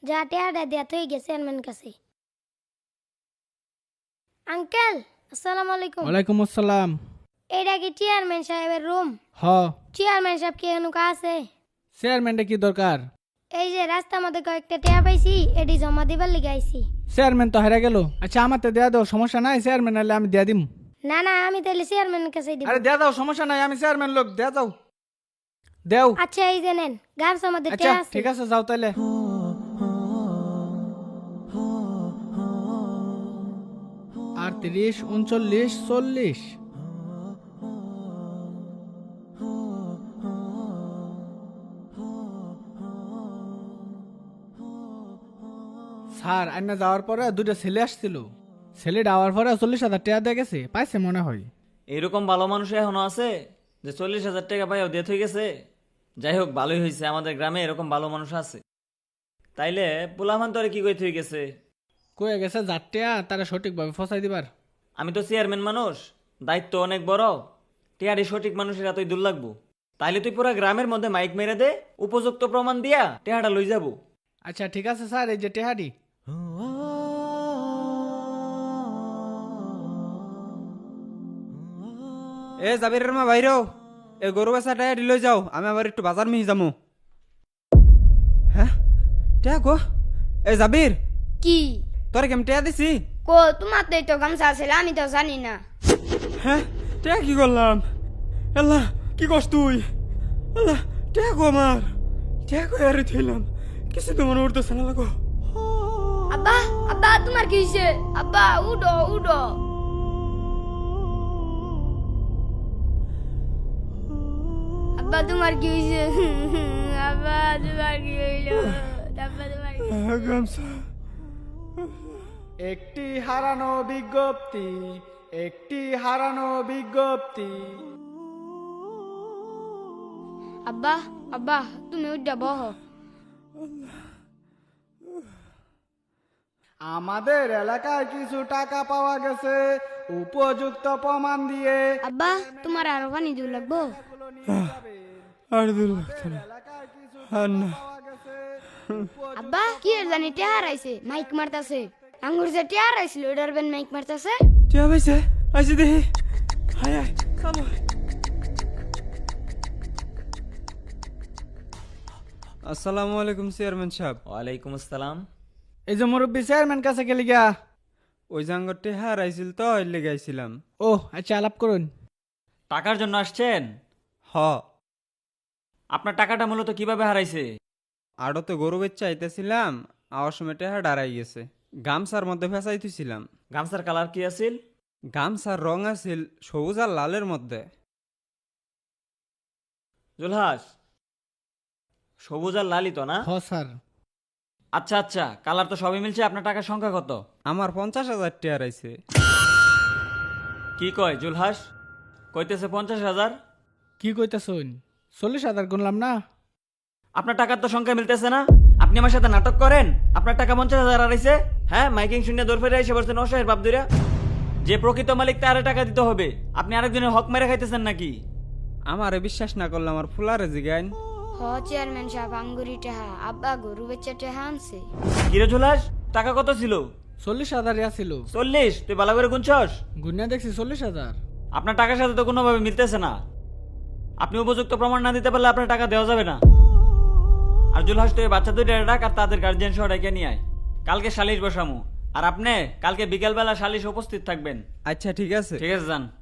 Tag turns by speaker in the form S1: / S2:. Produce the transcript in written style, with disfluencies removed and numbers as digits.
S1: যা টেয়াটা দেয়া হয়ে গেছে চেয়ারম্যান কাছে। আঙ্কেল আসসালামু আলাইকুম।
S2: ওয়ালাইকুম আসসালাম।
S1: এইটা কি চেয়ারম্যান সাহেবের রুম?
S2: হ,
S1: চেয়ারম্যান সাহেব কি এনুকা আছে?
S2: চেয়ারম্যানটা কি দরকার?
S1: এই যে রাস্তার মধ্যে কয়েকটা টেয়া পাইছি, এটি জমা দিবার লিগে আইছি।
S2: চেয়ারম্যান তো হারা গেল। আচ্ছা আমার তো দেয়া দাও, সমস্যা নাই। চেয়ারম্যান হলে আমি দেয়া দিম।
S1: না না, আমি তাহলে চেয়ারম্যানের কাছে দিব।
S2: আরে দেয়া দাও, সমস্যা নাই, আমি চেয়ারম্যান লোক, দেয়া দাও, দেও।
S1: আচ্ছা এই যে নেন, গামছার মধ্যে
S2: আচ্ছা
S1: টেয়া আছে।
S2: ঠিক আছে, যাও তাইলে। 38, 39, 40। স্যার আইনা যাওয়ার পরে দুটো ছেলে আসছিল। ছেলেটা আওয়ার পরে 40,000 টাকা দিয়ে গেছে, পাইছে মনে হয়।
S3: এরকম ভালো মানুষ এখনো আছে যে 40,000 টাকা পাইও ডেথ হয়ে গেছে। যাই হোক, ভালোই হয়েছে, আমাদের গ্রামে এরকম ভালো মানুষ আছে। তাইলে পোলামান তোরে কি কইতে হয়ে গেছে?
S2: কয়ে গেছে যারটা তারা সঠিকভাবে ফসাই দিবার।
S3: আমি তো চেয়ারম্যান মানুষ, দায়িত্ব অনেক বড়। টেয়ারি সঠিক মানুষের এতই দূর লাগবো। তাইলে তুই পুরা গ্রামের মধ্যে মাইক মেরে দে, উপযুক্ত প্রমাণ দিয়া টেহাটা লই যাবো।
S2: আচ্ছা ঠিক আছে স্যার, এই যে টেহারি।
S4: এ জাবিরের মা বাইরেও এ গরু বেচাটা লই যাও, আমি আবার একটু বাজার মিহি যামু। হ্যাঁ টেয়া গো, এ জাবির
S5: কি
S4: তোরে কেমন টেয়া দিছি?
S5: কো তোমার তো গামছা আছে, আমি তো জানি না।
S4: হ্যাঁ টেয়া কি করলাম? আল্লাহ কি করছ তুই? আল্লাহ টেয়া গো, আমার টেয়া গো আর থইলাম, কিছু তো মনে উঠতেছে না লাগো।
S5: আব্বা আব্বা তোমার কি হইছে? আব্বা উডো উডো। আব্বা তোমার কি হইছে? আব্বা তোমার কি হইলো? আব্বা তোমার কি?
S4: গামছা
S2: একটি হারানো বিজ্ঞপ্তি, একটি হারানো বিজ্ঞপ্তি।
S5: আব্বা আব্বা তুমি উডা বহ।
S2: আমাদের এলাকায় কিছু টাকা পাওয়া গেছে উপযুক্ত প্রমাণ দিয়ে।
S5: আব্বা তোমার আরো পানি দিও লাগবো?
S4: আর দূর লাগতো না, আর না।
S5: আব্বা কি এর জানি টেহার আইছে, মাইক মারতাছে। আঙ্গুর যে টেহার আইছিল ওটার বেন মাইক মারতাছে।
S4: টেয়া পাইছে, আইসি দেখি। হায় হায় চলো। আসসালামু আলাইকুম চেয়ারম্যান সাহেব।
S3: ওয়ালাইকুম আসসালাম।
S2: এই যে মুরব্বী চেয়ারম্যান কাছে গেলি গা।
S4: ওই জাঙ্গরটি হারাইছিল তো, এর লেগে আইছিলাম।
S2: ও আচ্ছা, আলাপ করুন।
S3: টাকার জন্য আসছেন?
S4: হ,
S3: আপনার টাকাটা মূলত কিভাবে হারাইছে?
S4: আড়তে গরু বেচা আইতেছিলাম, আওয়ার সময় টেহা দাঁড়াই গেছে। গামছার মধ্যে ফেসাইতেছিলাম।
S3: গামছার কালার কি আছিল?
S4: গামছার রং আছিল সবুজ আর লালের মধ্যে।
S3: জুলহাস, সবুজ আর লালই তো না?
S2: হ স্যার।
S3: আচ্ছা আচ্ছা, কালার তো সবই মিলছে। আপনার টাকার সংখ্যা কত?
S4: আমার 50,000 টেয়া আইছে।
S3: কি কয় জুলহাস? কইতেছে 50,000।
S2: কি কইতাছুন? 40,000 গুনলাম না।
S3: আপনার টাকার তো সংখ্যা মিলতেছে না। আপনি আমার সাথে নাটক করেন। আপনার টাকা 50,000 হারাইছে। হ্যাঁ, মাইকিং শুনে দৌড় ফেরে এসে বলছেন অসহায়ের বাপ দুইরা। যে প্রকৃত মালিক তারে টাকা দিতে হবে। আপনি আরেকজনের হক মেরে খাইতেছেন নাকি?
S4: আমারে বিশ্বাস না করলে আমার ফুলারে জিগাইন।
S5: হ চেয়ারম্যান সাহেব, আঙ্গুরি টেহা আব্বা গরু বেচা টেহা আনছে।
S3: কিরে জুলহাস, টাকা কত ছিল?
S2: 40,000 ছিল।
S3: 40? তুই ভালো করে গুনছস?
S2: গুনিয়া দেখছি 40,000।
S3: আপনার টাকার সাথে তো কোনোভাবে মিলতেছে না। আপনি উপযুক্ত প্রমাণ না দিতে পারলে আপনার টাকা দেওয়া যাবে না। আর জুলহাস, তুই বাচ্চা দুইটা ডাক আর তাদের গার্জিয়ান সহ ডেকে নিয়ে আয়। কালকে সালিশ বসামু। আর আপনি কালকে বিকেলবেলা সালিশ উপস্থিত থাকবেন।
S4: আচ্ছা ঠিক আছে।
S3: ঠিক আছে, যান।